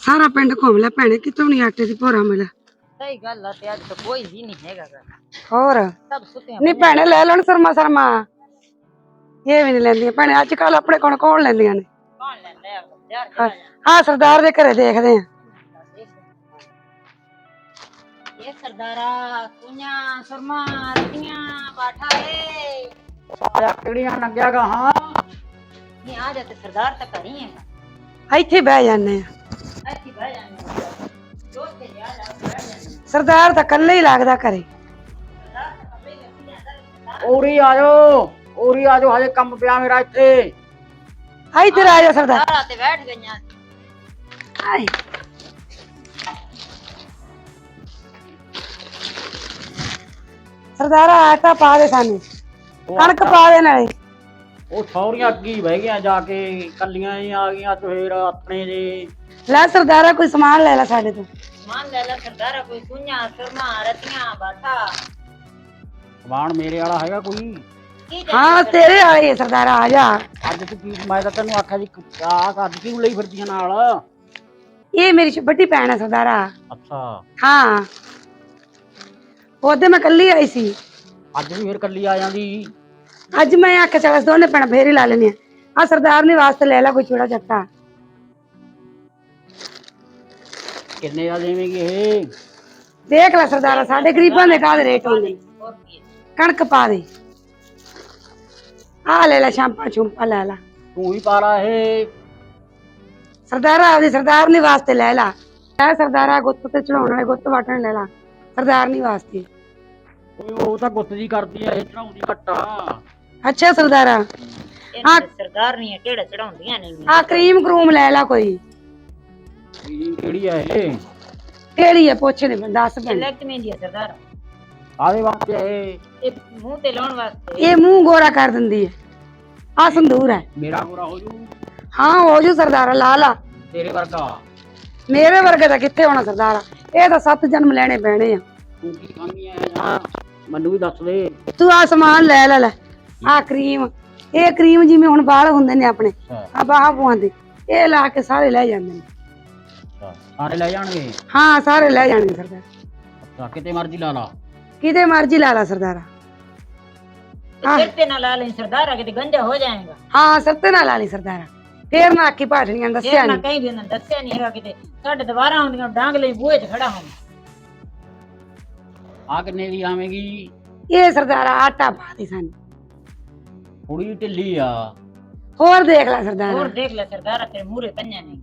ਸਾਰਾ ਪਿੰਡ ਘੁੰਮ ਲਿਆ ਭੈਣੇ, ਕਿਤੋਂ ਨਹੀਂ ਆਟੇ ਦੀ ਭੋਰਾ ਮਿਲਿਆ। ਸਹੀ ਗੱਲ ਆ ਤੇ ਅੱਜ ਤਾਂ ਕੋਈ ਵੀ ਨਹੀਂ ਹੈਗਾ ਗਾ। ਹੋਰ ਸਭ ਸੁੱਤਿਆਂ ਨਹੀਂ ਭੈਣੇ ਲੈ ਲੈਣ ਸਰਮਾ ਸਰਮਾ, ਇਹ ਵੀ ਨਹੀਂ ਲੈਂਦੀਆਂ ਭੈਣੇ ਅੱਜ ਕੱਲ ਆਪਣੇ ਕੋਲ ਕੌਣ ਲੈਂਦੀਆਂ ਨੇ। ਕੌਣ ਲੈਂਦਾ ਆ ਯਾਰ ਚਲਾ ਜਾ। ਹਾਂ ਸਰਦਾਰ ਦੇ ਘਰੇ ਦੇਖਦੇ ਆ। ਇਹ ਸਰਦਾਰਾ ਕੁਈਆਂ ਸਰਮਾ ਰਤੀਆਂ ਬਾਠਾ ਏ ਆਇਆ ਕਿਹੜੀਆਂ ਲੱਗਿਆ ਗਾ। ਹਾਂ ਨਹੀਂ ਆ ਜਾ ਤੇ ਸਰਦਾਰ ਤਾਂ ਘਰ ਹੀ ਹੈਗਾ। ਇੱਥੇ ਬਹਿ ਜਾਂਦੇ ਆ। ਇੱਥੇ ਬਹਿ ਜਾਂਦੇ ਦੋਸਤ ਤੇ ਜਾ ਜਾ ਬਹਿ ਜਾਂਦੇ। ਸਰਦਾਰ ਤਾਂ ਇਕੱਲੇ ਹੀ ਲੱਗਦਾ ਘਰੇ। ਸਰਦਾਰ ਤਾਂ ਕੱਪੜੇ ਲੱਗੀ ਜਾਂਦਾ। ਉਰੀ ਆਜੋ ਹਜੇ ਕੰਮ ਪਿਆ ਮੇਰਾ ਇੱਥੇ। ਇੱਧਰ ਆ ਜਾ ਸਰਦਾਰ। ਸਰਦਾਰਾ ਤੇ ਬੈਠ ਗਈਆਂ। ਆਏ ਸਰਦਾਰਾ ਆਟਾ ਪਾ ਦੇ ਸਾਨੂੰ, ਕਣਕ ਪਾ ਦੇ ਨਾਲੇ। ਉਹ ਸੌਰੀਆਂ ਅੱਗੇ ਹੀ ਬਹਿ ਗਿਆ ਜਾ ਕੇ, ਕੱਲੀਆਂ ਹੀ ਆ ਗਈਆਂ ਤੇ ਫੇਰ ਆਪਣੇ ਜੇ। ਲੈ ਸਰਦਾਰਾ ਕੋਈ ਸਮਾਨ ਲੈ ਲੈ ਸਾਡੇ ਤੋਂ। ਸਮਾਨ ਲੈ ਲੈ ਸਰਦਾਰਾ ਕੋਈ ਕੁਈਆਂ ਸਰਮਾ ਰਤੀਆਂ ਬਾਠਾ। ਸਮਾਨ ਮੇਰੇ ਵਾਲਾ ਹੈਗਾ ਕੋਈ? ਕੀ ਹਾਂ ਤੇਰੇ ਵਾਲੇ ਸਰਦਾਰਾ ਆ ਜਾ। ਅੱਜ ਤੂੰ ਕੀ, ਮੈਂ ਤਾਂ ਤੈਨੂੰ ਆਖਿਆ ਜੀ ਆਹ ਅੱਜ ਕਿਉਂ ਲਈ ਫਿਰਦੀਆਂ ਨਾਲ? ਇਹ ਮੇਰੀ ਵੱਡੀ ਭੈਣ ਹੈ ਸਰਦਾਰਾ। ਅੱਛਾ ਹਾਂ ਉਹਦੇ ਮੈਂ ਕੱਲੀ ਆਈ ਸੀ। ਅੱਜ ਵੀ ਫੇਰ ਕੱਲੀ ਆ ਜਾਂਦੀ। ਅੱਜ ਮੈਂ ਆਖਿਆ ਚੱਲ ਦੋਨੇ ਭੈਣਾਂ ਫੇਰ ਹੀ ਲਾ ਲੈਣੀ ਆ। ਸਰਦਾਰ ਨੇ ਵਾਸਤੇ ਲੈ ਲੈ ਕੋਈ ਛੋੜਾ ਚੱਟਾ। ਕਿੰਨੇ ਦਾ ਦੇਵੇਂਗੀ ਇਹ? ਦੇਖ ਲੈ ਸਰਦਾਰਾ ਸਾਡੇ ਗਰੀਬਾਂ ਦੇ ਕਾਹਦੇ ਰੇਟ ਹੁੰਦੇ। ਹੋਰ ਕੀ ਕਣਕ ਪਾ ਦੇ। ਆ ਲੈ ਲੈ ਸ਼ਾਂਪਾ ਛੁੰਪਾ ਲੈ ਲੈ। ਤੂੰ ਵੀ ਪਾ ਲਾ ਇਹ। ਸਰਦਾਰਾ ਆਪਦੀ ਸਰਦਾਰਨੀ ਵਾਸਤੇ ਲੈ ਲਾ। ਲੈ ਸਰਦਾਰਾ ਗੁੱਤ ਤੇ ਚੜਾਉਣ ਵਾਲੇ ਗੁੱਤ ਵਾਟਣ ਲੈ ਲਾ ਸਰਦਾਰਨੀ ਵਾਸਤੇ। ਉਹ ਤਾਂ ਗੁੱਤ ਜੀ ਕਰਦੀ ਆ, ਇਹ ਚੜਾਉਂਦੀ ਘੱਟਾ। ਅੱਛਾ ਸਰਦਾਰਾ ਇਹਨਾਂ ਦੇ ਸਰਦਾਰ ਨਹੀਂ ਕਿਹੜਾ ਚੜਾਉਂਦੀਆਂ ਨੇ। ਆ ਕਰੀਮ ਕਰੂਮ ਲੈ ਲਾ ਕੋਈ। ਕਿਹੜੀ ਆ ਇਹ? ਕਿਹੜੀ ਹੈ ਪੁੱਛ ਦੇ ਦੱਸ ਭੈਣ। ਇਲੈਕਟ ਮਹਿੰਦੀ ਆ ਸਰਦਾਰ। ਆਦੇ ਵਾਸਤੇ ਇਹ ਮੂੰਹ ਤੇ ਲਾਉਣ ਵਾਸਤੇ। ਇਹ ਮੂੰਹ ਗੋਰਾ ਕਰ ਦਿੰਦੀ ਹੈ। ਆ ਸੰਦੂਰ ਹੈ। ਮੇਰਾ ਗੋਰਾ ਹੋ ਜੂ? ਹਾਂ ਹੋ ਜੂ ਸਰਦਾਰਾ ਲਾ ਲਾ। ਤੇਰੇ ਵਰਗਾ? ਮੇਰੇ ਵਰਗੇ ਦਾ ਕਿੱਥੇ ਹੋਣਾ ਸਰਦਾਰਾ, ਇਹ ਤਾਂ 7 ਜਨਮ ਲੈਣੇ ਪੈਣੇ ਆ। ਤੂੰ ਕੀ ਖਾਂਦੀ ਆ ਮੈਨੂੰ ਵੀ ਦੱਸ ਦੇ। ਤੂੰ ਆ ਸਮਾਨ ਲੈ ਲੈ ਲੈ। ਆ ਕਰੀਮ, ਇਹ ਕਰੀਮ ਜਿਵੇਂ ਹੁਣ ਵਾਲ ਹੁੰਦੇ ਨੇ ਆਪਣੇ ਆ ਬਾਹਾਂ ਪਵਾਉਂਦੇ, ਇਹ ਲਾ ਕੇ ਸਾਰੇ ਲੈ ਜਾਂਦੇ ਨੇ। ਸਾਰੇ ਲੈ ਜਾਣਗੇ? ਹਾਂ ਸਾਰੇ ਲੈ ਜਾਣਗੇ ਸਰਦਾਰ। ਅੱਛਾ ਕਿਤੇ ਮਰਜ਼ੀ ਲਾ ਲਾ? ਕਿਤੇ ਮਰਜ਼ੀ ਲਾ ਲਾ ਸਰਦਾਰਾ। ਸਿਰ ਤੇ ਨਾ ਲਾ ਲੈ ਸਰਦਾਰਾ, ਕਿਤੇ ਗੰਜਾ ਹੋ ਜਾਏਗਾ। ਹਾਂ ਸਿਰ ਤੇ ਨਾ ਲਾ ਲਈ ਸਰਦਾਰਾ, ਫੇਰ ਨਾ ਆਖੀ ਭਾਟਣੀਆਂ ਦੱਸਿਆ ਨਾ ਨਹੀਂ। ਕहीं ਵੀ ਉਹਨਾਂ ਦੱਸਿਆ ਨਹੀਂ ਹੈਗਾ। ਕਿਤੇ ਸਾਡੇ ਦੁਬਾਰਾ ਆਉਂਦੀਆਂ ਡਾਂਗ ਲਈ ਬੂਹੇ 'ਚ ਖੜਾ ਹੋਂ। ਆ ਕਿੰਨੇ ਦੀ ਆਵੇਂਗੀ? ਇਹ ਸਰਦਾਰਾ ਆਟਾ ਪਾ ਦੇ ਸਾਨੂੰ। ਥੋੜੀ ਢਿੱਲੀ ਆ। ਹੋਰ ਦੇਖ ਲੈ ਸਰਦਾਰਾ। ਹੋਰ ਦੇਖ ਲੈ ਸਰਦਾਰਾ ਤੇਰੇ ਮੂਹਰੇ ਪੰਜਾਂ ਨੇ।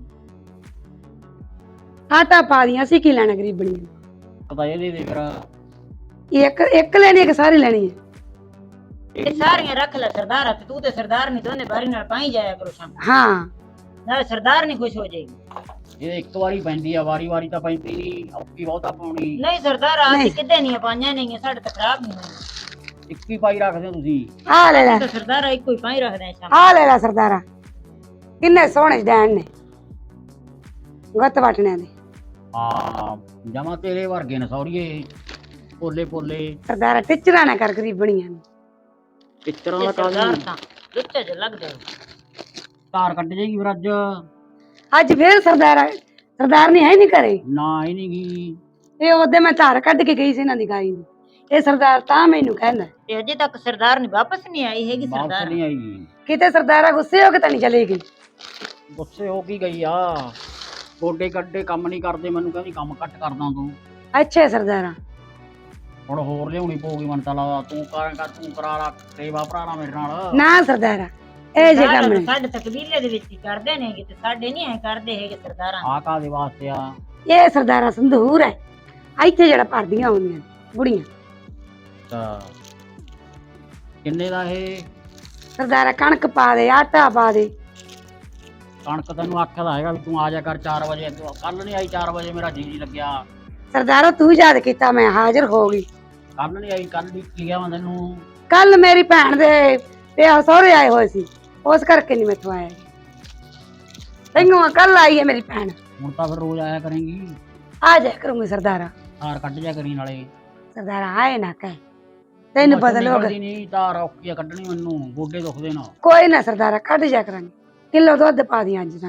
ਆਟਾ ਪਾ ਦੀਆਂ, ਅਸੀਂ ਕੀ ਲੈਣਾ ਗਰੀਬਣੀ ਨੂੰ। ਪਤਾ ਇਹਦੇ ਦੇ ਫਿਰ ਇੱਕ ਲੈਣੀ ਹੈ ਕਿ ਸਾਰੀ ਲੈਣੀ ਹੈ? ਇਹ ਸਾਰੀਆਂ ਰੱਖ ਲੈ ਸਰਦਾਰਾ, ਤੇ ਤੂੰ ਤੇ ਸਰਦਾਰ ਨਹੀਂ ਦੋਨੇ ਬਾਰੀ ਨਾਲ ਪਾਈ ਜਾਇਆ ਕਰੋ ਸ਼ਾਮ ਹਾਂ ਨਾਲ। ਸਰਦਾਰ ਨਹੀਂ ਖੁਸ਼ ਹੋ ਜਾਏਗੀ। ਇਹ ਇੱਕ ਵਾਰੀ ਪੈਂਦੀ ਆ, ਵਾਰੀ ਵਾਰੀ ਤਾਂ ਪੈਂਦੀ ਨਹੀਂ, ਔਖੀ ਬਹੁਤਾ ਪਾਉਣੀ। ਨਹੀਂ ਸਰਦਾਰਾ ਅਸੀਂ ਕਿੱਦੇ ਨਹੀਂ ਪਾਈਆਂ ਨਹੀਂ, ਸਾਡੇ ਤਾਂ ਖਰਾਬ ਨਹੀਂ ਹੋਈ। ਇੱਕ ਹੀ ਪਾਈ ਰੱਖਦੇ ਹੋ ਤੁਸੀਂ? ਆ ਲੈ ਲੈ, ਤਾਂ ਸਰਦਾਰਾ ਇੱਕੋ ਹੀ ਪਾਈ ਰੱਖਦੇ ਆ ਸ਼ਾਮ। ਆ ਲੈ ਲੈ ਸਰਦਾਰਾ। ਕਿੰਨੇ ਸੋਹਣੇ ਡੈਣ ਨੇ ਗੱਤ ਵਟਣਿਆਂ ਦੇ। ਹਾਂ ਜਮਾ ਤੇਰੇ ਵਰਗੇ ਨੇ ਸੌਰੀਏ, ਪੋਲੇ ਪੋਲੇ। ਸਰਦਾਰਾ ਟਿਚਰਾ ਨਾ ਕਰ ਗਰੀਬਣੀਆਂ ਨੂੰ। ਪਿੱਤਰਾਂ ਦਾ ਸਰਦਾਰ ਕਾਲ ਤਾਂ ਲੁੱਚੇ ਜਿਹੇ ਲੱਗਦੇ। ਧਾਰ ਕੱਢ ਜਾਏਗੀ ਫਿਰ ਅੱਜ। ਅੱਜ ਫੇਰ ਸਰਦਾਰ ਨਹੀਂ ਹੈ ਨਹੀਂ ਘਰੇ। ਨਾ ਹੀ ਨਹੀਂ ਗਈ। ਇਹ ਉਹਦੇ ਮੈਂ ਧਾਰ ਕੱਢ ਕੇ ਗਈ ਸੀ ਇਹਨਾਂ ਦੀ ਗਾਈ ਦੀ। ਇਹ ਸਰਦਾਰ ਤਾਂ ਮੈਨੂੰ ਕਹਿੰਦਾ ਤੇ ਅਜੇ ਤੱਕ ਸਰਦਾਰ ਨਹੀਂ ਵਾਪਸ ਨਹੀਂ ਆਈ ਹੈਗੀ। ਵਾਪਸ ਸਰਦਾਰ ਨਹੀਂ ਆਈ। ਕਿਤੇ ਸਰਦਾਰਾ ਗੁੱਸੇ ਹੋ ਕੇ ਤਾਂ ਨਹੀਂ ਚਲੀ ਗਈ। ਗੁੱਸੇ ਹੋ ਕੀ ਗਈ ਆ? ਗੋਡੇ ਕੱਢੇ ਕੰਮ ਨਹੀਂ ਕਰਦੇ, ਮੈਨੂੰ ਕਹਿੰਦੀ ਕੰਮ ਘੱਟ ਕਰਦਾ ਤੂੰ। ਅੱਛਾ ਸਰਦਾਰਾ ਹੁਣ ਹੋਰ ਲਿਆਉਣੀ ਪਊਗੀ ਮੈਨੂੰ ਤਾਂ ਲੱਗਦਾ। ਤੂੰ ਕਰਾਂਗਾ, ਤੂੰ ਕਰਾ ਲਾ ਸੇਵਾ ਭਰਾ ਮੇਰੇ ਨਾਲ। ਨਾ ਸਰਦਾਰਾ ਇਹ ਜੇ ਕੰਮ ਨੇ। ਸਾਡੇ ਤਾਂ ਕਬੀਲੇ ਦੇ ਵਿੱਚ ਹੀ ਕਰਦੇ ਨੇ ਤੇ ਸਾਡੇ ਨਹੀਂ ਐ ਕਰਦੇ ਹੈਗੇ ਸਰਦਾਰਾਂ। ਆ ਕਾਦੇ ਵਾਸਤੇ ਆ? ਇਹ ਸਰਦਾਰਾ ਸੰਧੂਰ ਹੈ, ਇੱਥੇ ਜਿਹੜਾ ਭਰਦੀਆਂ ਹੁੰਦੀਆਂ ਬੁੜੀਆਂ। ਅੱਛਾ ਕਿੰਨੇ ਦਾ ਇਹ? ਸਰਦਾਰਾ ਕਣਕ ਪਾ ਦੇ, ਆਟਾ ਪਾ ਦੇ। ਕਣਕ ਤੈਨੂੰ ਆਖਿਆ ਤਾਂ ਹੈਗਾ ਵੀ ਤੂੰ ਆ ਜਾ ਕਰ 4 ਵਜੇ। ਕੱਲ ਨਹੀਂ ਆਈ 4 ਵਜੇ, ਮੇਰਾ ਜੀ ਨਹੀਂ ਲੱਗਿਆ। ਸਰਦਾਰਾ ਤੂੰ ਯਾਦ ਕੀਤਾ, ਮੈਂ ਹਾਜ਼ਰ ਹੋ ਗਈ। ਕੱਲ ਨਹੀਂ ਆਈ, ਕੱਲ ਵੀ ਗਿਆ ਮੈਂ ਤੈਨੂੰ। ਕੱਲ ਮੇਰੀ ਭੈਣ ਦੇ ਵਿਆਹ ਸਹੁਰੇ ਆਏ ਹੋਏ ਸੀ, ਉਸ ਕਰਕੇ ਨਹੀਂ ਮੈਥੋਂ ਆਇਆ। ਤੈਨੂੰ ਕੱਲ ਆਈ ਹੈ ਮੇਰੀ ਭੈਣ। ਹੁਣ ਤਾਂ ਫਿਰ ਰੋਜ਼ ਆਇਆ ਕਰੇਂਗੀ। ਆ ਜਾ ਕਰੂੰਗੀ ਸਰਦਾਰਾ। ਧਾਰ ਕੱਢ ਜਾ ਕਰੀ ਨਾਲੇ। ਸਰਦਾਰਾ ਆਏ ਨਾ ਕਹਿ, ਤੈਨੂੰ ਪਤਾ ਲੋਕ। ਨਹੀਂ ਧਾਰ ਔਖੀ ਆ ਕੱਢਣੀ, ਮੈਨੂੰ ਗੋਡੇ ਦੁਖਦੇ ਨਾ। ਕੋਈ ਨਾ ਸਰਦਾਰਾ ਕੱਢ ਜਾ ਕਰਾਂਗੇ। ਕਿਲੋ ਦੁੱਧ ਪਾ ਦੀ ਅੱਜ ਸਾਨੂੰ।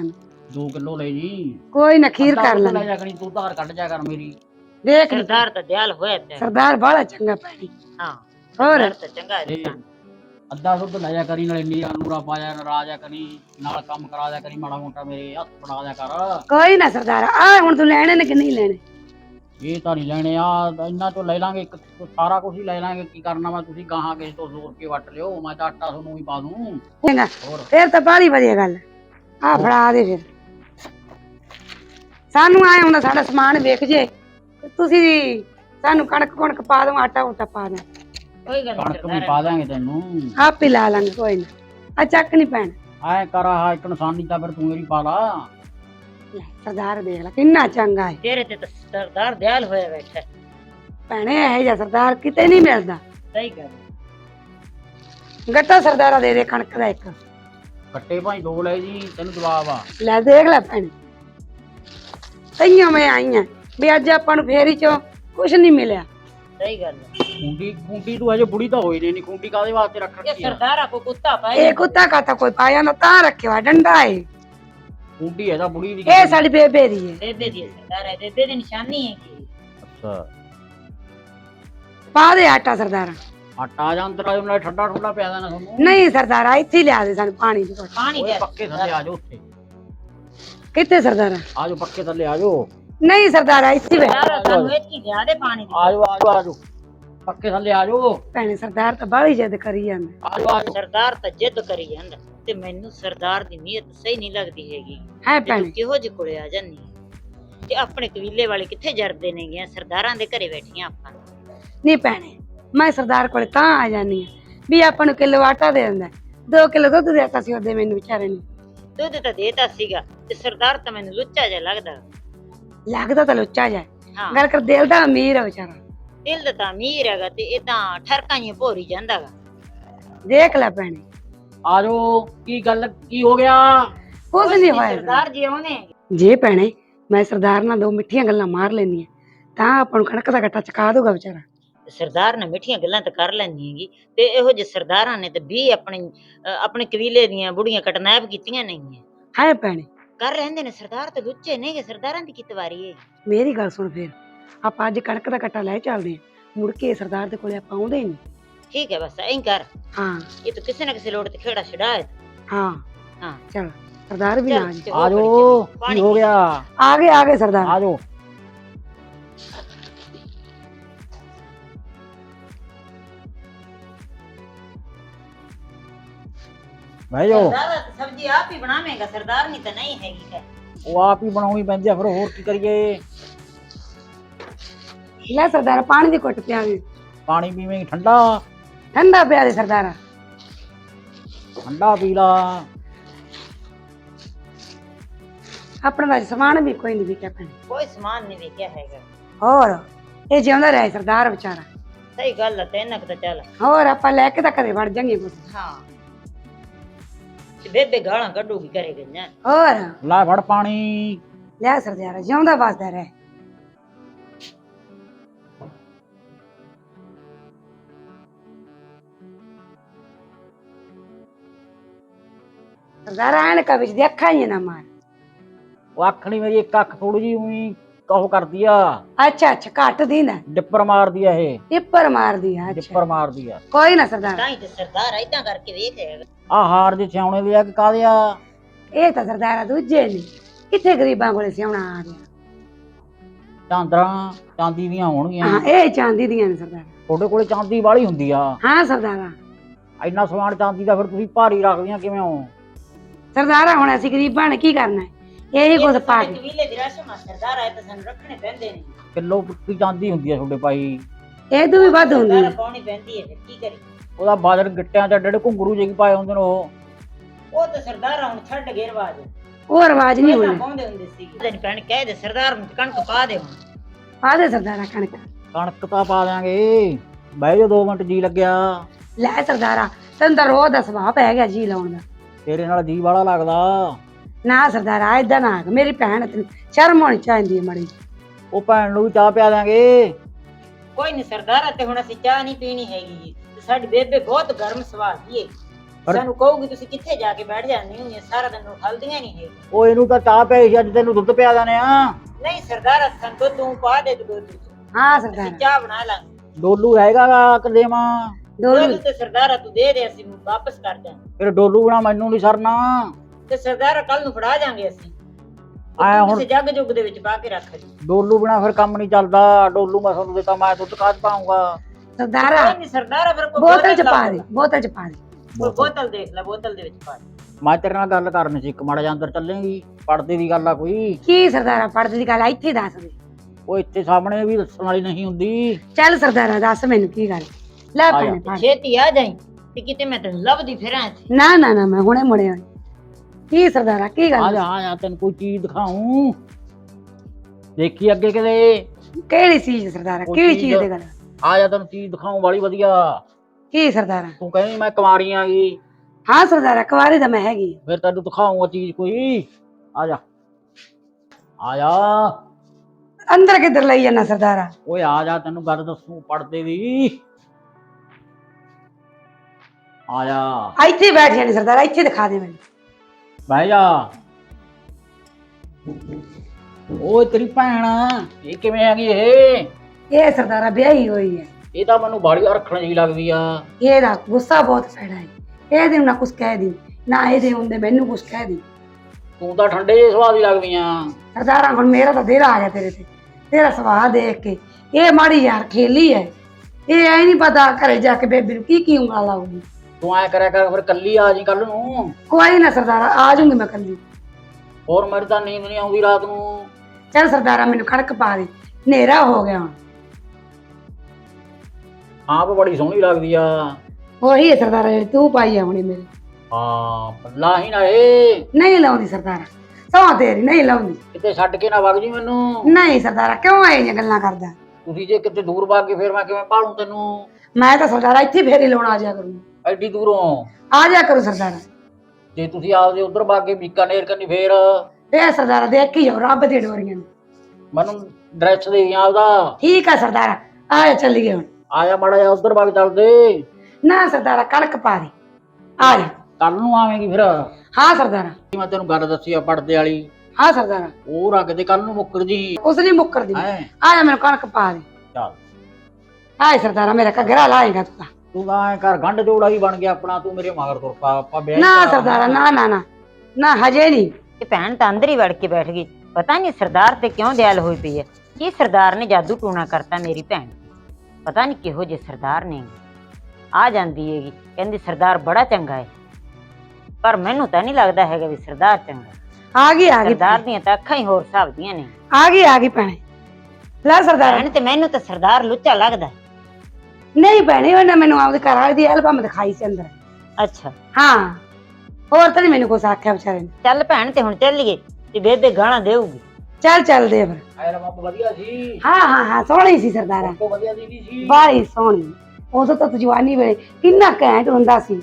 2 ਕਿਲੋ ਲੈ ਜੀ। ਕੋਈ ਨਾ ਖੀਰ ਅੱਧਾ ਕਰ ਦੁੱਧ ਲੈ ਲਾਂਗੇ। ਜਾ ਕਰੀ, ਤੂੰ ਧਾਰ ਕੱਢ ਜਾ ਕਰ ਮੇਰੀ। ਦੇਖ ਲਈ ਸਰਦਾਰ ਤਾਂ ਦਿਆਲ ਹੋਇਆ ਪਿਆ। ਸਰਦਾਰ ਬੜਾ ਚੰਗਾ ਭੈਣੇ। ਹਾਂ ਹੋਰ ਸਰਦਾਰ ਤਾਂ ਚੰਗਾ ਹੈ ਤੇ ਇਨਸਾਨ। ਅੱਧਾ ਦੁੱਧ ਲੈ ਜਾ ਕਰੀ, ਨਾਲੇ ਨੀਰਾ ਨੂਰਾ ਪਾਇਆ ਨਾਰਾਜ਼ ਆ ਕਰੀ, ਨਾਲ ਕੰਮ ਕਰਾ ਦਿਆ ਕਰੀ, ਮਾੜਾ ਮੋਟਾ ਮੇਰੇ ਹੱਥ ਫੜਾ ਦਿਆ ਕਰ। ਕੋਈ ਨਾ ਸਰਦਾਰ ਆ ਹੁਣ ਤੂੰ ਲੈਣੇ ਨੇ ਕਿ ਨਹੀਂ ਲੈਣੇ? ਇਹ ਤਾਂ ਨਹੀਂ ਲੈਣੇ ਆ, ਇਹਨਾਂ ਤੋਂ ਲੈ ਲਾਂਗੇ ਸਾਰਾ ਕੁਝ ਹੀ ਲੈ ਲਾਂਗੇ। ਕੀ ਕਰਨਾ ਵਾ, ਤੁਸੀਂ ਗਾਹਾਂ ਕਿਸੇ ਤੋਂ ਜ਼ੋਰ ਕੇ ਵੱਟ ਲਿਓ, ਮੈਂ ਤਾਂ ਆਟਾ ਤੁਹਾਨੂੰ ਹੀ ਪਾ ਦੂੰ। ਚੰਗਾ ਹੋਰ ਫੇਰ ਤਾਂ ਬਾਹਲੀ ਵਧੀਆ ਗੱਲ ਆ ਫੜਾ ਦੇ ਫਿਰ। ਸਾਨੂੰ ਆਏ ਹੁੰਦਾ ਸਾਡਾ ਸਮਾਨ ਵੇਖ ਜੇ ਤੇ ਤੁਸੀਂ ਸਾਨੂੰ ਕਣਕ ਪਾ ਦੋ, ਆਟਾ ਉਟਾ ਪਾ ਦੇ, ਕੋਈ ਗੱਲ ਕਣਕ ਵੀ ਨਹੀਂ ਪਾ ਦਿਆਂਗੇ ਤੈਨੂੰ। ਆਪ ਹੀ ਲਾ ਲਾਂਗੇ ਕੋਈ ਨਾ। ਆ ਚੱਕ ਨਹੀਂ ਪੈਣਾ। ਐ ਕਰ ਆਹ ਇੱਕ ਨਿਸ਼ਾਨੀ ਤਾਂ ਫਿਰ ਤੂੰ ਮੇਰੀ ਪਾ ਲਾ। ਲੈ ਸਰਦਾਰ ਦੇਖ ਲੈ ਕਿੰਨਾ ਚੰਗਾ ਹੈ ਤੇਰੇ ਤੇ ਤਾਂ ਸਰਦਾਰ ਦਿਆਲ ਹੋਇਆ ਬੈਠਾ। ਭੈਣੇ। ਇਹ ਜਿਹਾ ਸਰਦਾਰ ਕਿਤੇ ਨਹੀਂ ਮਿਲਦਾ। ਸਹੀ ਗੱਲ। ਗੱਟਾ ਸਰਦਾਰਾ ਦੇ ਦੇ ਕਣਕ ਦਾ ਇੱਕ। ਕੱਟੇ ਭਾਈ 2 ਲੈ ਜੀ, ਤੈਨੂੰ ਜਵਾਬ ਆ। ਲੈ ਦੇਖ ਲੈ ਭੈਣੇ, ਤਈਆਂ ਮੈਂ ਆਈਆਂ ਵੀ ਅੱਜ ਆਪਾਂ ਨੂੰ ਫੇਰੀ ਚੋਂ ਕੁਛ ਨਹੀਂ ਮਿਲਿਆ। ਸਹੀ ਗੱਲ। ਖੁੰਡੀ ਤੂੰ ਹਜੇ ਬੁੜੀ ਤਾਂ ਹੋਈ ਨਹੀਂ, ਖੁੰਡੀ ਕਾਹਦੇ ਵਾਸਤੇ ਰੱਖ ਇਹ ਰੱਖੀ ਆ? ਸਰਦਾਰਾ ਕੋ ਕੁੱਤਾ ਪਾਇਆ। ਇਹ ਕੁੱਤਾ ਕਾਤਾ ਕੋਈ ਪਾਇਆ ਨਾ ਤਾਂ ਰੱਖਿਆ ਹੋਇਆ ਡੰਡਾ ਏ। ਖੁੰਡੀ ਹੈ ਤਾਂ ਬੁੜੀ ਦੀ। ਇਹ ਸਾਡੀ ਬੇਬੇ ਦੀ ਏ। ਬੇਬੇ ਦੀ ਸਰਦਾਰ ਹੈ, ਬੇਬੇ ਦੀ ਨਿਸ਼ਾਨੀ ਹੈ ਕਿ ਅੱਛਾ ਪਾ ਦੇ ਆਟਾ ਸਰਦਾਰਾ। ਆਟਾ ਜਾਂ ਅੰਦਰ ਆਜੋ, ਨਾਲੇ ਠੰਡਾ ਠੰਡਾ ਪਿਆ ਦੇਣਾ ਤੁਹਾਨੂੰ। ਨਹੀਂ ਸਰਦਾਰਾ ਇੱਥੇ ਹੀ ਲਿਆ ਦੇ ਸਾਨੂੰ ਪਾਣੀ ਦੀ ਘੁੱਟ। ਪਾਣੀ ਓਏ ਦੇ ਪੱਕੇ ਥੱਲੇ ਆ ਜਾਓ, ਉੱਥੇ ਕਿੱਥੇ ਸਰਦਾਰਾ? ਆ ਜਾਓ, ਪੱਕੇ ਥੱਲੇ ਆ ਜਾਓ। ਨਹੀਂ ਸਰਦਾਰਾ ਇੱਥੇ ਬੈਠ। ਸਰਦਾਰਾ ਸਾਨੂੰ ਇੱਥੇ ਗਿਆ ਦੇ ਪਾਣੀ ਦੀ। ਆ ਜਾਓ ਆ ਜਾਓ ਆ ਜਾਓ, ਪੱਕੇ ਥੱਲੇ ਆ ਜਾਓ। ਭੈਣੇ ਸਰਦਾਰ ਤਾਂ ਬਾਹਲੀ ਜਿੱਦ ਕਰੀ ਜਾਂਦਾ। ਆ ਜਾਓ ਆ ਜਾਓ। ਸਰਦਾਰ ਤਾਂ ਜਿੱਦ ਕਰੀ ਜਾਂਦਾ ਤੇ ਮੈਨੂੰ ਸਰਦਾਰ ਦੀ ਨੀਅਤ ਸਹੀ ਨਹੀਂ ਲੱਗਦੀ ਹੈਗੀ। ਹੈ ਤੇ ਭੈਣੇ ਤੂੰ ਕਿਹੋ ਜਿਹੇ ਕੋਲੇ ਆ ਜਾਂਦੀ ਹੈ ਤੇ ਆਪਣੇ ਕਬੀਲੇ ਵਾਲੇ ਕਿੱਥੇ ਜਰਦੇ ਨੇ ਗਿਆ, ਸਰਦਾਰਾਂ ਦੇ ਘਰੇ ਬੈਠੀਆਂ ਆਪਾਂ। ਨਹੀਂ ਭੈਣੇ, ਮੈਂ ਸਰਦਾਰ ਕੋਲੇ ਤਾਂ ਆ ਜਾਨੀ ਆ ਵੀ ਆਪਾਂ ਨੂੰ ਕਿਲੋ ਆਟਾ ਦੇ ਦਿੰਦਾ, 2 ਕਿਲੋ ਦੁੱਧ ਦੇਤਾ ਸੀ ਉਹਦੇ ਮੈਨੂੰ ਵਿਚਾਰੇ ਨੂੰ। ਦੁੱਧ ਤਾਂ ਦੇਤਾ ਸੀਗਾ ਤੇ ਸਰਦਾਰ ਤਾਂ ਮੈਨੂੰ ਲੁੱਚਾ ਜਿਹਾ ਲੱਗਦਾ ਤਾਂ ਲੁੱਚਾ ਜਾ। ਹਾਂ ਗੱਲ ਕਰ ਦਿਲ ਦਾ ਅਮੀਰ ਆ ਵਿਚਾਰਾ। ਦਿਲ ਦਾ ਤਾਂ ਅਮੀਰ ਹੈਗਾ ਤੇ ਇਹ ਤਾਂ ਠਰਕਾਂ ਹੀ ਭੋਰੀ ਜਾਂਦਾਗਾ। ਦੇਖ ਲੈ ਭੈਣੇ, ਆ ਜਾਓ। ਕੀ ਗੱਲ, ਕੀ ਹੋ ਗਿਆ? ਕੁਝ ਨਹੀਂ ਹੋਇਆ। ਸਰਦਾਰ ਜੀ ਆਉਣੇ। ਜੇ ਭੈਣੇ ਮੈਂ ਸਰਦਾਰ ਨਾਲ 2 ਮਿੱਠੀਆਂ ਗੱਲਾਂ ਮਾਰ ਲੈਂਦੀ ਆ ਤਾਂ ਆਪਾਂ ਨੂੰ ਕਣਕ ਦਾ ਗੱਟਾ ਚਕਾ ਦੂਗਾ ਵਿਚਾਰਾ। ਸਰਦਾਰ ਨੇ ਮਿੱਠੀਆਂ ਗੱਲਾਂ ਤਾਂ ਕਰ ਲੈਂਦੀ ਹੈਗੀ ਤੇ ਇਹੋ ਜਿਹੇ ਸਰਦਾਰਾਂ ਨੇ ਤੇ 20 ਆਪਣੇ ਕਬੀਲੇ ਦੀਆਂ ਬੁੜੀਆਂ ਕਟਨੈਪ ਕੀਤੀਆਂ ਨਹੀਂ ਹੈ ਭੈਣੇ, ਕਰ ਰਹਿੰਦੇ ਨੇ। ਸਰਦਾਰ ਤਾਂ ਲੁੱਚੇ ਨੇਗੇ, ਸਰਦਾਰਾਂ ਦੀ ਕਿਤਵਾਰੀ ਹੈ। ਮੇਰੀ ਗੱਲ ਸੁਣ ਫੇਰ, ਆਪਾਂ ਅੱਜ ਕਣਕ ਦਾ ਗੱਟਾ ਲੈ ਚੱਲਦੇ ਆ, ਮੁੜ ਕੇ ਸਰਦਾਰ ਦੇ ਕੋਲੇ ਆਪਾਂ ਆਉਂਦੇ ਨਹੀਂ। ਠੀਕ ਹੈ ਬਸ ਐਂ ਕਰ। ਹਾਂ ਇਹ ਤਾਂ ਕਿਸੇ ਨਾ ਕਿਸੇ ਲੋੜ ਤੇ ਖੇੜਾ ਛਡਾ ਹੈ। ਹਾਂ ਹਾਂ ਚਲ ਸਰਦਾਰ ਵੀ ਨਾ ਆ ਜਾਏ। ਆ ਜਾਓ। ਕੀ ਹੋ ਗਿਆ? ਆ ਗਏ ਸਰਦਾਰ। ਆ ਜਾਓ। ਬਹਿ ਜਾਓ। ਸਰਦਾਰ ਤਾਂ ਸਬਜ਼ੀ ਆਪ ਹੀ ਬਣਾਵੇਂਗਾ, ਸਰਦਾਰ ਨਹੀਂ ਤਾਂ ਨਹੀਂ ਹੈਗੀ ਹੈ। ਉਹ ਆਪ ਹੀ ਬਣਾਉਣੀ ਪੈਂਦੀ ਆ, ਫਿਰ ਹੋਰ ਕੀ ਕਰੀਏ? ਲੈ ਸਰਦਾਰ ਪਾਣੀ ਦੀ ਘੁੱਟ ਪਿਆਵੇ। ਪਾਣੀ ਪੀਵੇਂਗੀ ਠੰਡਾ? ਠੰਡਾ ਪਿਆ ਦੇ ਸਰਦਾਰਾ। ਠੰਡਾ ਪੀ ਲਾ। ਆਪਣਾ ਦਾ ਸਮਾਨ ਵੀ ਕੋਈ ਨਹੀਂ ਵਿਕਿਆ ਭੈਣੇ। ਕੋਈ ਸਮਾਨ ਨਹੀਂ ਵੇਖਿਆ ਹੈਗਾ। ਹੋਰ ਇਹ ਜਿਉਂਦਾ ਰਿਹਾ ਸਰਦਾਰ ਵਿਚਾਰਾ। ਸਹੀ ਗੱਲ ਹੈ, ਤੈਨੂੰ ਤਾਂ ਚੱਲ। ਹੋਰ ਆਪਾਂ ਲੈ ਕੇ ਤਾਂ ਘਰੇ ਵੜ ਜਾਂਗੇ ਕੁਛ। ਹਾਂ ਤੇ ਬੇਬੇ ਗਾਲਾਂ ਕੱਢੂਗੀ ਘਰੇ ਗਈਆਂ। ਹੋਰ ਲੈ ਫੜ ਪਾਣੀ। ਲੈ ਸਰਦਾਰਾ ਜਿਉਂਦਾ ਵਸਦਾ ਰਹੇ। ਸਰਦਾਰਾ ਐਨਕਾਂ ਵਿੱਚ ਦੀ ਅੱਖਾਂ ਹੀ ਨਾ ਮਾਰ। ਉਹ ਅੱਖ ਨੀ ਮੇਰੀ, ਇੱਕ ਅੱਖ ਥੋੜੀ ਜਿਹੀ ਉਹੀ ਕਹੋ ਕਰਦੀ ਆ। ਅੱਛਾ ਅੱਛਾ ਘੱਟ ਦੀ ਨਾ ਡਿੱਪਰ ਮਾਰਦੀ ਆ ਇਹ। ਟਿੱਪਰ ਮਾਰਦੀ ਆ। ਅੱਛਾ ਡਿੱਪਰ ਮਾਰਦੀ ਆ। ਕੋਈ ਨਾ ਸਰਦਾਰ, ਤਾਂ ਹੀ ਤੇ ਸਰਦਾਰ ਏਦਾਂ ਕਰਕੇ ਵੇਖ ਹੈਗਾ। ਆ ਹਾਰ ਦੇ ਸਿਆਉਣੇ ਦੇ ਆ ਕਿ ਕਾਹਦੇ ਆ? ਇਹ ਤਾਂ ਸਰਦਾਰਾ ਦੂਜੇ ਨੇ, ਕਿੱਥੇ ਗਰੀਬਾਂ ਕੋਲੇ ਸਿਆਉਣਾ ਆ ਗਿਆ। ਚਾਂਦਰਾਂ ਚਾਂਦੀ ਦੀਆਂ ਹੋਣਗੀਆਂ। ਹਾਂ ਇਹ ਚਾਂਦੀ ਦੀਆਂ ਨੇ ਸਰਦਾਰ। ਤੁਹਾਡੇ ਕੋਲੇ ਚਾਂਦੀ ਵਾਲੀ ਹੁੰਦੀ ਆ। ਹਾਂ ਸਰਦਾਰਾ। ਇੰਨਾ ਸਮਾਨ ਚਾਂਦੀ ਦਾ ਫਿਰ ਤੁਸੀਂ ਭਾਰੀ ਰੱਖਦੀਆਂ ਕਿਵੇਂ ਹੋ? ਸਰਦਾਰਾ ਹੁਣ ਅਸੀਂ ਗਰੀਬਾਂ ਨੇ ਕੀ ਕਰਨਾ ਹੈ, ਇਹੀ ਕੁਝ ਪਾ ਕੇ। ਕਬੀਲੇ ਦੀ ਰਸਮ ਆ, ਸਰਦਾਰ ਆਏ ਤਾਂ ਸਾਨੂੰ ਰੱਖਣੇ ਪੈਂਦੇ ਨੇ। ਕਿਲੋ ਪੁੱਤੀ ਚਾਂਦੀ ਹੁੰਦੀ ਆ ਤੁਹਾਡੇ ਭਾਈ। ਇਹ ਤੋਂ ਵੀ ਵੱਧ ਹੁੰਦੀ ਸਰਦਾਰ ਹੈ। ਪਾਉਣੀ ਪੈਂਦੀ ਹੈ, ਫਿਰ ਕੀ ਕਰੀ। ਉਹਦਾ ਬਾਦਰ ਗਿੱਟਿਆਂ ਤੇ ਡੇਢ ਘੁੰਗਰੂ ਜਿਹੇ ਪਾਏ ਹੁੰਦੇ ਨੇ ਉਹ ਤਾਂ ਸਰਦਾਰ ਹੁਣ ਛੱਡ ਗਏ ਰਵਾਜ। ਉਹ ਰਿਵਾਜ ਨਹੀਂ ਪਹਿਲਾਂ ਹੋਣਾ। ਪਾਉਂਦੇ ਹੁੰਦੇ ਸੀ। ਦਿਨ ਭੈਣ ਕਹਿ ਦੇ ਸਰਦਾਰ ਨੂੰ ਕਣਕ ਪਾ ਦੇ ਹੁਣ। ਪਾ ਦੇ ਸਰਦਾਰਾ ਕਣਕ। ਕਣਕ ਤਾਂ ਪਾ ਦਿਆਂਗੇ। ਬਹਿ ਜਾ 2 ਮਿੰਟ, ਜੀ ਲੱਗਿਆ। ਲੈ ਸਰਦਾਰਾ ਤੈਨੂੰ ਤਾਂ ਰੋਹ ਦਾ ਸੁਭਾਅ ਪੈ ਗਿਆ ਜੀ ਲਾਉਣ ਦਾ। ਤੇਰੇ ਨਾਲ ਜੀ ਵਾਲਾ ਲੱਗਦਾ। ਨਾ ਸਰਦਾਰਾ ਏਦਾਂ ਨਾ ਆਖ, ਮੇਰੀ ਭੈਣ ਤੈਨੂੰ ਸ਼ਰਮ ਹੋਣੀ ਚਾਹੀਦੀ ਹੈ ਮੜੀ। ਉਹ ਭੈਣ ਨੂੰ ਵੀ ਚਾਹ ਪਿਆ ਦਿਆਂਗੇ। ਕੋਈ ਨਹੀਂ ਸਰਦਾਰਾ ਤੇ ਹੁਣ ਅਸੀਂ ਚਾਹ ਨਹੀਂ ਪੀਣੀ ਹੈਗੀ ਜੀ। ਤੇ ਸਾਡੀ ਬੇਬੇ ਬਹੁਤ ਗਰਮ ਸੁਭਾਅ ਦੀ ਹੈ। ਸਾਨੂੰ ਕਹੂਗੀ ਤੁਸੀਂ ਕਿੱਥੇ ਜਾ ਕੇ ਬੈਠ ਜਾਂਦੀ ਹੋ ਸਾਰਾ ਦਿਨ ਉਠਲਦੀਆਂ ਨਹੀਂ ਹੈ। ਉਹ ਇਹਨੂੰ ਤਾਂ ਚਾਹ ਪਿਆਈ ਸੀ, ਅੱਜ ਤੈਨੂੰ ਦੁੱਧ ਪਿਆ ਦਾਨੇ ਆ। ਨਹੀਂ ਸਰਦਾਰ ਸਾਨੂੰ ਤੂੰ ਪਾ ਦੇ ਦੁੱਧ ਚ ਹਾਂ ਅਸੀਂ ਸਰਦਾਰਾ ਚਾਹ ਬਣਾ ਲਾਂਗੇ। ਡੋਲੂ ਹੈਗਾ ਵਾ ਕਦੇਮਾ, ਡੋਲੂ ਦੁੱਧ ਤੇ ਸਰਦਾਰਾ ਤੂੰ ਦੇ ਅਸੀਂ ਵਾਪਸ ਕਰ ਜਾਵਾਂਗੇ। ਫਿਰ ਡੋਲੂ ਬਣਾ ਮੈਨੂੰ ਨਹੀਂ ਸਰਨਾ। ਤੇ ਸਰਦਾਰਾ ਕੱਲ ਨੂੰ ਫੜਾ ਜਾਾਂਗੇ ਅਸੀਂ। ਆਇਆ ਹੁਣ ਕਿਸੇ ਜੱਗ ਜੁਗ ਦੇ ਵਿੱਚ ਪਾ ਕੇ ਰੱਖ ਲਈ। ਡੋਲੂ ਬਣਾ ਫਿਰ ਕੰਮ ਨਹੀਂ ਚੱਲਦਾ। ਡੋਲੂ ਮੈਂ ਤੁਹਾਨੂੰ ਦਿੱਤਾ, ਮੈਂ ਦੁੱਧ ਕਾਹ ਪਾਉਂਗਾ। ਸਰਦਾਰਾ ਕੋਈ ਨਹੀਂ ਸਰਦਾਰਾ ਫਿਰ ਕੋਈ ਬੋਤਲ ਚ ਪਾ ਦੇ, ਬੋਤਲ ਚ ਪਾ ਦੇ। ਕੋਈ ਬੋਤਲ ਦੇਖ ਲੈ, ਬੋਤਲ ਦੇ ਵਿੱਚ ਪਾ ਦੇ। ਮੈਂ ਤੇਰੇ ਨਾਲ ਗੱਲ ਕਰਨੀ ਸੀ, ਇੱਕ ਮਾੜਾ ਜਿਹਾ ਅੰਦਰ ਚੱਲੇਂਗੀ? ਪੜਦੇ ਦੀ ਗੱਲ ਆ ਕੋਈ? ਕੀ ਸਰਦਾਰਾ ਪੜਦੇ ਦੀ ਗੱਲ ਆ, ਇੱਥੇ ਦੱਸ ਦੇ। ਉਹ ਇੱਥੇ ਸਾਹਮਣੇ ਵੀ ਦੱਸਣ ਵਾਲੀ ਨਹੀਂ ਹੁੰਦੀ। ਚੱਲ ਸਰਦਾਰਾ ਦੱਸ ਮੈਨੂੰ ਕੀ ਗੱਲ। ਲੈ ਆ ਜਾ। ਭੈਣੇ ਫੜ। ਛੇਤੀ ਆ ਜਾਈ ਤੇ ਕਿਤੇ ਮੈਂ ਤੈਨੂੰ ਲੱਭਦੀ ਫਿਰਾਂ ਇੱਥੇ। ਨਾ ਨਾ ਨਾ ਮੈਂ ਹੁਣੇ ਮੁੜਿਆ। ਕੀ ਸਰਦਾਰਾ ਕੀ ਆ ਗੱਲ? ਜਾ ਆ ਜਾ, ਤੈਨੂੰ ਕੋਈ ਚੀਜ਼ ਦਿਖਾऊं। ਦੇਖੀ ਅੱਗੇ ਕਿਤੇ। ਕਿਹੜੀ ਚੀਜ਼ ਸਰਦਾਰਾ, ਉਹ ਕਿਹੜੀ ਚੀਜ਼- ਚੀਜ਼ ਦੀ ਗੱਲ? ਆ ਜਾ, ਤੈਨੂੰ ਚੀਜ਼ ਦਿਖਾऊं ਬੜੀ ਵਧੀਆ। ਕੀ ਸਰਦਾਰਾ? ਤੂੰ ਕਹਿੰਦੀ ਮੈਂ ਕੁਮਾਰੀ ਆਂਗੀ, ਹਾਂ ਸਰਦਾਰਾ ਕੁਵਾਰੀ ਤਾਂ ਮੈਂ ਹੈਗੀ। ਫਿਰ ਤੈਨੂੰ ਦਿਖਾਊਂਗਾ ਚੀਜ਼ ਕੋਈ। ਆ ਜਾ ਆ ਜਾ। ਅੰਦਰ ਕਿੱਧਰ ਲਈ ਜਾਣਾ ਸਰਦਾਰਾ? ਓਏ ਆ ਜਾ, ਤੈਨੂੰ ਗੱਲ ਦੱਸੂ ਪੜਦੇ ਦੀ। ਆ ਜਾ, ਇੱਥੇ ਬੈਠ ਜਾਣੀ ਸਰਦਾਰਾ, ਇੱਥੇ ਦਿਖਾ ਦੇ ਮੈਨੂੰ। ਬਹਿ ਜਾ। ਓਏ ਤੇਰੀ ਭੈਣ ਇਹ ਕਿਵੇਂ ਆ ਗਈ? ਇਹ ਸਰਦਾਰਾ ਵਿਆਹੀ ਹੋਈ ਹੈ। ਇਹ ਤਾਂ ਮੈਨੂੰ ਬਾੜੀ ਰੱਖਣ ਜੀ ਲੱਗਦੀ ਆ। ਇਹਦਾ ਗੁੱਸਾ ਬਹੁਤ ਪੈਣਾ ਹੈ। ਇਹਦੇ ਨੂੰ ਨਾ ਕੁਛ ਕਹਿ ਦੀ, ਨਾ ਇਹਦੇ ਹੁੰਦੇ ਮੈਨੂੰ ਕੁਛ ਕਹਿ ਦੀ। ਤੂੰ ਤਾਂ ਠੰਡੇ ਜਿਹੇ ਸੁਭਾਅ ਦੀ ਲੱਗਦੀ ਆ। ਸਰਦਾਰਾ ਹੁਣ ਮੇਰਾ ਤਾਂ ਦਿਲ ਆ ਗਿਆ ਤੇਰੇ ਤੇ, ਤੇਰਾ ਸੁਭਾਅ ਦੇਖ ਕੇ। ਇਹ ਮਾੜੀ ਯਾਰ ਖੇਲੀ ਹੈ। ਇਹ ਐ ਨਹੀਂ ਪਤਾ ਘਰੇ ਜਾ ਕੇ ਬੇਬੀ ਨੂੰ ਕੀ ਉਂਗਲਾਂ ਲਾਊਗੀ। ਤੂੰ ਐ ਕਰਿਆ ਕਰ, ਫਿਰ ਕੱਲੀ ਆ ਜੀ ਕੱਲ ਨੂੰ। ਕੋਈ ਨਾ ਸਰਦਾਰਾ, ਆ ਜਾਊਂਗੀ ਮੈਂ ਕੱਲੀ। ਹੋਰ ਮੇਰੀ ਤਾਂ ਨੀਂਦ ਨਹੀਂ ਆਉਂਦੀ ਰਾਤ ਨੂੰ। ਚੱਲ ਸਰਦਾਰਾ ਮੈਨੂੰ ਖੜਕ ਪਾ ਦੇ, ਹਨੇਰਾ ਹੋ ਗਿਆ ਹੁਣ। ਆਪ ਬੜੀ ਸੋਹਣੀ ਲੱਗਦੀ ਆ। ਉਹੀ ਹੈ ਸਰਦਾਰਾ ਜਿਹੜੀ ਤੂੰ ਪਾਈ ਆ ਹੁਣੇ ਮੇਰੇ। ਹਾਂ ਪੱਲਾ ਹੀ ਨਾ ਇਹ ਨਹੀਂ ਲਾਉਂਦੀ ਸਰਦਾਰਾ, ਸਹੁੰ ਤੇਰੀ ਨਹੀਂ ਲਾਉਂਦੀ। ਕਿਤੇ ਛੱਡ ਕੇ ਨਾ ਵਗ ਜੀ ਮੈਨੂੰ। ਨਹੀਂ ਸਰਦਾਰਾ, ਕਿਉਂ ਇਹ ਜਿਹੀਆਂ ਗੱਲਾਂ ਕਰਦਾ? ਤੁਸੀਂ ਜੇ ਕਿਤੇ ਦੂਰ ਵਗ ਗਏ ਫਿਰ ਮੈਂ ਕਿਵੇਂ ਭਾਲੂ ਤੈਨੂੰ? ਮੈਂ ਤਾਂ ਸਰਦਾਰਾ ਇੱਥੇ ਫੇਰੀ ਲਾਉਣ ਆ ਜਾ ਕਰੂੰ। ਐਡੀ ਦੂਰੋਂ? ਆ ਜਾ ਕਰੂ ਸਰਦਾਰਾ। ਜੇ ਤੁਸੀਂ ਆਪਦੇ ਉਧਰ ਵਗ ਕੇ ਬੀਕਾਨੇਰ ਕਰਨੀ ਫੇਰ ਇਹ ਸਰਦਾਰਾ ਦੇਖ ਕੇ ਜਾਓ ਰੱਬ ਦੀ ਡੋਰੀਆਂ ਨੂੰ। ਮੈਨੂੰ ਡਰੈਸ ਦੇ ਦਿਆਂ ਉਹਦਾ। ਠੀਕ ਆ ਸਰਦਾਰਾ, ਆ ਜਾ ਚੱਲੀਏ ਹੁਣ। ਆਇਆ ਮਾੜਾ ਜਿਹਾ ਉਧਰ ਵਗ ਚੱਲਦੇ। ਨਾ ਸਰਦਾਰਾ ਕਣਕ ਪਾ ਦੇ, ਆ ਜਾ। ਕੱਲ ਨੂੰ ਆਵੇਂਗੀ ਫਿਰ? ਹਾਂ ਸਰਦਾਰਾ। ਮੈਂ ਤੈਨੂੰ ਗੱਲ ਦੱਸੀ ਆ ਪੜਦੇ ਵਾਲੀ, ਹਾਂ ਸਰਦਾਰਾ। ਉਹ ਰੱਖ ਦੇ ਕੱਲ ਨੂੰ ਮੁੱਕਰ ਜੀ। ਉਸ ਨਹੀਂ ਮੁੱਕਰਦੀ। ਹੈ ਆ ਜਾ ਮੈਨੂੰ ਕਣਕ ਪਾ ਦੇ। ਚੱਲ ਆਏ ਸਰਦਾਰਾ ਮੇਰਾ ਘੱਗਰਾ ਲਾਏਗਾ ਤੂੰ ਤਾਂ। ਤੂੰ ਤਾਂ ਐ ਕਰ, ਗੰਢ ਜੋੜਾ ਹੀ ਬਣ ਗਿਆ ਆਪਣਾ। ਤੂੰ ਮੇਰੇ ਮਗਰ ਤੁਰ ਪਾ, ਆਪਾਂ ਵਿਆਹ ਨਾ ਸਰਦਾਰਾ, ਨਾ ਨਾ ਨਾ ਨਾ ਹਜੇ ਨਹੀਂ। ਇਹ ਭੈਣ ਤਾਂ ਅੰਦਰ ਹੀ ਵੜ ਕੇ ਬੈਠ ਗਈ। ਪਤਾ ਨਹੀਂ ਸਰਦਾਰ ਤੇ ਕਿਉਂ ਦਿਆਲ ਹੋਈ ਪਈ ਹੈ। ਕੀ ਸਰਦਾਰ ਨੇ ਜਾਦੂ ਟੂਣਾ ਕਰਤਾ ਮੇਰੀ ਭੈਣ? ਪਤਾ ਨਹੀਂ ਕਿਹੋ ਜਿਹੇ ਸਰਦਾਰ ਨੇ। ਆ ਜਾਂਦੀ ਹੈਗੀ ਕਹਿੰਦੀ ਸਰਦਾਰ ਬੜਾ ਚੰਗਾ ਹੈ, ਪਰ ਮੈਨੂੰ ਤਾਂ ਨਹੀਂ ਲੱਗਦਾ ਹੈਗਾ ਵੀ ਸਰਦਾਰ ਚੰਗਾ। ਆ ਗਈ ਸਰਦਾਰ ਦੀਆਂ ਤਾਂ ਅੱਖਾਂ ਹੀ ਹੋਰ ਹਿਸਾਬ ਦੀਆਂ ਨੇ। ਆ ਗਈ ਭੈਣੇ। ਲੈ ਸਰਦਾਰਾ। ਭੈਣ ਤੇ ਮੈਨੂੰ ਤਾਂ ਸਰਦਾਰ ਲੁੱਚਾ ਲੱਗਦਾ। ਨਹੀਂ ਭੈਣੇ, ਉਹਨੇ ਮੈਨੂੰ ਆਪਦੇ ਘਰ ਵਾਲੇ ਦੀ ਐਲਬਮ ਦਿਖਾਈ ਸੀ ਅੰਦਰ। ਅੱਛਾ ਹਾਂ, ਹੋਰ ਤਾਂ ਨਹੀਂ ਮੈਨੂੰ ਕੁਛ ਆਖਿਆ ਵਿਚਾਰੇ ਨੇ। ਚੱਲ ਭੈਣ ਤੇ ਹੁਣ ਚੱਲੀਏ ਤੇ ਬੇਬੇ ਗਾਣਾ ਦੇਊਗੀ। ਚੱਲ ਚੱਲਦੇ ਫਿਰ। ਐ ਰੱਬ ਵਧੀਆ ਸੀ। ਹਾਂ ਹਾਂ ਹਾਂ, ਸੋਹਣੀ ਸੀ ਸਰਦਾਰਾ, ਉਹ ਵਧੀਆ ਦੀਦੀ ਸੀ। ਬਾਹਲੀ ਸੋਹਣੀ। ਉਦੋਂ ਤਾਂ ਜਵਾਨੀ ਵੇਲੇ ਕਿੰਨਾ ਘੈਂਟ ਹੁੰਦਾ ਸੀ,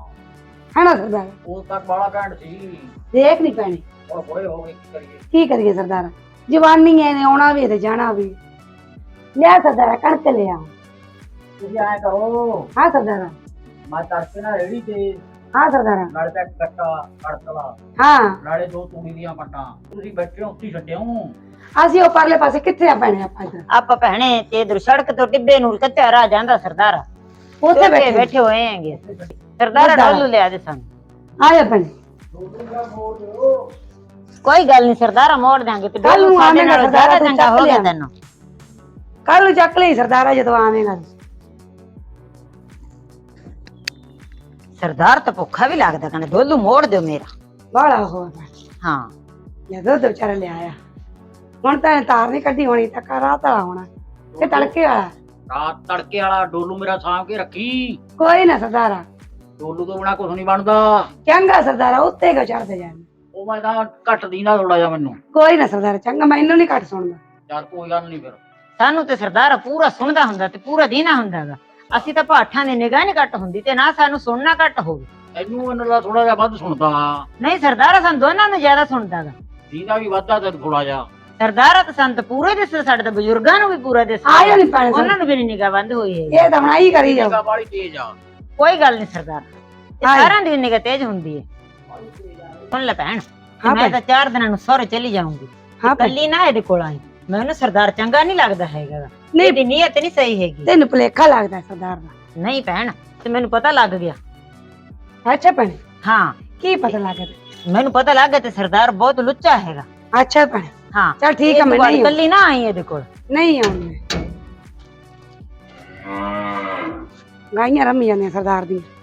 ਹੈਨਾ ਸਰਦਾਰਾ? ਉਹ ਤੱਕ ਬਾਲਾ ਘੈਂਟ ਸੀ। ਦੇਖ ਨਹੀਂ ਪੈਣੀ। ਹੁਣ ਬੁੜੇ ਹੋ ਗਏ, ਕੀ ਕਰੀਏ? ਕੀ ਕਰੀਏ ਸਰਦਾਰਾ, ਜਵਾਨੀ ਐ ਨੇ ਆਉਣਾ ਵੀ ਤੇ ਜਾਣਾ ਵੀ। ਲਿਆ ਸਰਦਾਰਾ ਕਣਕ ਲਿਆ। ਤੁਸੀਂ ਐ ਕਰੋ, ਹਾਂ ਸਰਦਾਰਾ। ਮੈਂ ਤੜਕੇ ਨਾਲ ਰੇੜੀ ਤੇ ਹਾਂ ਸਰਦਾਰਾ। ਨਾਲੇ ਤਾਂ ਕੱਟਾ ਕੜਕਲਾ, ਹਾਂ, ਨਾਲੇ 2 ਤੂੜੀ ਦੀਆਂ ਪੱਟਾਂ। ਤੁਸੀਂ ਬੈਠੇ ਹੋ ਉੱਥੇ ਛੱਡਿਓ। ਅਸੀਂ ਉਹ ਪਰਲੇ ਪਾਸੇ ਕਿੱਥੇ ਆ ਪੈਣੇ ਆਪਾਂ ਇੱਧਰ? ਆਪਾਂ ਭੈਣੇ ਤੇ ਇਧਰ ਸੜਕ ਤੋਂ ਟਿੱਬੇ ਨੂੰ ਕੱਚਾ ਰਾਹ ਜਾਂਦਾ ਸਰਦਾਰਾ, ਉੱਥੇ ਬੈਠੇ ਬੈਠੇ ਹੋਏ ਹੈਗੇ। ਸਰਦਾਰਾ ਡੋਲੂ ਲਿਆ ਦੇ ਸਾਨੂੰ। ਆ ਜਾ ਪੈਣੇ। ਕੋਈ ਗੱਲ ਨਹੀਂ ਸਰਦਾਰਾ ਮੋੜ ਦਾਂਗੇ ਤੇ ਕੱਲ ਨੂੰ ਸਾਡੇ ਆਵੇਂਗਾ ਨਾਲੋਂ ਸਰਦਾਰਾ, ਜ਼ਿਆਦਾ ਤੂੰ ਚੰਗਾ ਹੋ ਚੱਕ ਗਿਆ ਲਿਆ। ਤੈਨੂੰ। ਕੱਲ ਨੂੰ ਚੱਕ ਲਈ ਸਰਦਾਰਾ ਜਦੋਂ ਆਵੇਂਗਾ। ਸਰਦਾਰ ਤਾਂ ਭੁੱਖਾ ਵੀ ਲੱਗਦਾ, ਕਹਿੰਦਾ ਡੋਲੂ ਮੋੜ ਦਿਓ ਮੇਰਾ। ਬਾਲਾ ਹੋ ਹਾਂ ਜਦੋਂ ਦੁੱਧ ਵਿਚਾਰਾ ਲਿਆਇਆ। ਹੁਣ ਤਾਂ ਤਾਰ ਨਹੀਂ ਕੱਢੀ ਹੋਣੀ, ਤਾਂ ਰਾਤ ਵਾਲਾ ਹੋਣਾ ਕਿ ਤੜਕੇ ਵਾਲਾ। ਰਾਤ ਤੜਕੇ ਵਾਲਾ ਡੋਲੂ ਮੇਰਾ ਸਾਂਭ ਕੇ ਰੱਖੀ। ਕੋਈ ਨਾ ਸਰਦਾਰਾ, ਡੋਲੂ ਤੋਂ ਬਿਨਾ ਕੁਝ ਨਹੀਂ ਬਣਦਾ। ਚੰਗਾ ਸਰਦਾਰਾ, ਉੱਤੇ ਕਿਉਂ ਚੜਦੇ ਜਾਣ? ਉਹ ਮੈਂ ਤਾਂ ਘੱਟ ਦੀਂਦਾ ਥੋੜਾ ਜਿਹਾ ਮੈਨੂੰ। ਕੋਈ ਨਾ ਸਰਦਾਰਾ, ਚੰਗਾ ਮੈਨੂੰ ਨਹੀਂ ਘੱਟ ਸੁਣਦਾ। ਚੱਲ ਕੋਈ ਗੱਲ ਨਹੀਂ ਫਿਰ। ਸਾਨੂੰ ਤੇ ਸਰਦਾਰ ਪੂਰਾ ਸੁਣਦਾ ਹੁੰਦਾ ਤੇ ਪੂਰਾ ਦੀਨਾ ਹੁੰਦਾਗਾ। ਅਸੀਂ ਤਾਂ ਪਾਠਾਂ ਦੀ ਨਿਗਾਹ ਨਹੀਂ ਘੱਟ ਹੁੰਦੀ ਤੇ ਨਾ ਸਾਨੂੰ ਸੁਣਨਾ ਘੱਟ ਹੋਵੇ। ਇਹਨੂੰ ਇਹਨਾਂ ਦਾ ਥੋੜਾ ਜਿਹਾ ਵੱਧ ਸੁਣਦਾ। ਨਹੀਂ ਸਰਦਾਰਾ ਸਾਨੂੰ ਦੋਨਾਂ ਨੂੰ ਜ਼ਿਆਦਾ ਸੁਣਦਾਗਾ। ਦੀਦਾ ਵੀ ਵੱਧਦਾ ਤੇ ਥੋੜਾ ਜਿਹਾ। ਸਰਦਾਰਾ ਤਾਂ ਸਾਨੂੰ ਤਾਂ ਪੂਰਾ ਹੀ ਦਿਸਦਾ, ਸਾਡੇ ਤਾਂ ਬਜ਼ੁਰਗਾਂ ਨੂੰ ਵੀ ਪੂਰਾ ਦਿਸਦਾ। ਆਇਆ ਨਹੀਂ ਪਾਣੀ ਉਹਨਾਂ ਨੂੰ ਵੀ ਨਿਗਾਹ ਬੰਦ ਹੋਈ ਹੈ। ਇਹ ਤਾਂ ਹੁਣ ਆਹੀ ਕਰੀ ਜਾਓ। ਨਿਗਾਹ ਵਾਲੀ ਤੇਜ਼ ਆ। ਕੋਈ ਗੱਲ ਨਹੀਂ ਸਰਦਾਰ, ਹਾਏ। ਸਾਰਿਆਂ ਦੀ ਨਿਗਾਹ ਤੇਜ਼ ਹੁੰਦੀ ਹੈ। ਸੁਣ ਲੈ ਭੈਣ, ਤੇ ਹਾਂ ਮੈਂ ਭੈਣ। ਤਾਂ 4 ਦਿਨਾਂ ਨੂੰ ਸਹੁਰੇ ਚਲੀ ਜਾਊਂਗੀ। ਹਾਂ ਭੈਣ। ਕੱਲੀ ਨਾ ਇਹਦੇ ਕੋਲ ਆਈ, ਮੈਨੂੰ ਸਰਦਾਰ ਚੰਗਾ ਨਹੀਂ ਲੱਗਦਾ ਹੈਗਾ ਗਾ। ਨਹੀਂ। ਇਹਦੀ ਨੀਅਤ ਨਹੀਂ ਸਹੀ ਹੈਗੀ। ਤੈਨੂੰ ਭੁਲੇਖਾ ਲੱਗਦਾ ਸਰਦਾਰ ਦਾ। ਨਹੀਂ ਭੈਣ, ਤੇ ਮੈਨੂੰ ਪਤਾ ਲੱਗ ਗਿਆ। ਅੱਛਾ ਭੈਣੇ, ਹਾਂ, ਕੀ ਪਤਾ ਲੱਗ ਗਿਆ? ਮੈਨੂੰ ਪਤਾ ਲੱਗ ਗਿਆ ਤੇ ਸਰਦਾਰ ਬਹੁਤ ਲੁੱਚਾ ਹੈਗਾ। ਅੱਛਾ ਭੈਣੇ, ਹਾਂ ਚੱਲ ਠੀਕ ਆ, ਮੈਂ ਨਹੀਂ ਕੱਲੀ ਨਾ ਆਈ ਇਹਦੇ ਕੋਲ। ਨਹੀਂ ਆਉਣੀ। ਗਾਈਆਂ ਰਮੀ ਜਾਂਦੀਆਂ ਸਰਦਾਰ ਦੀਆਂ।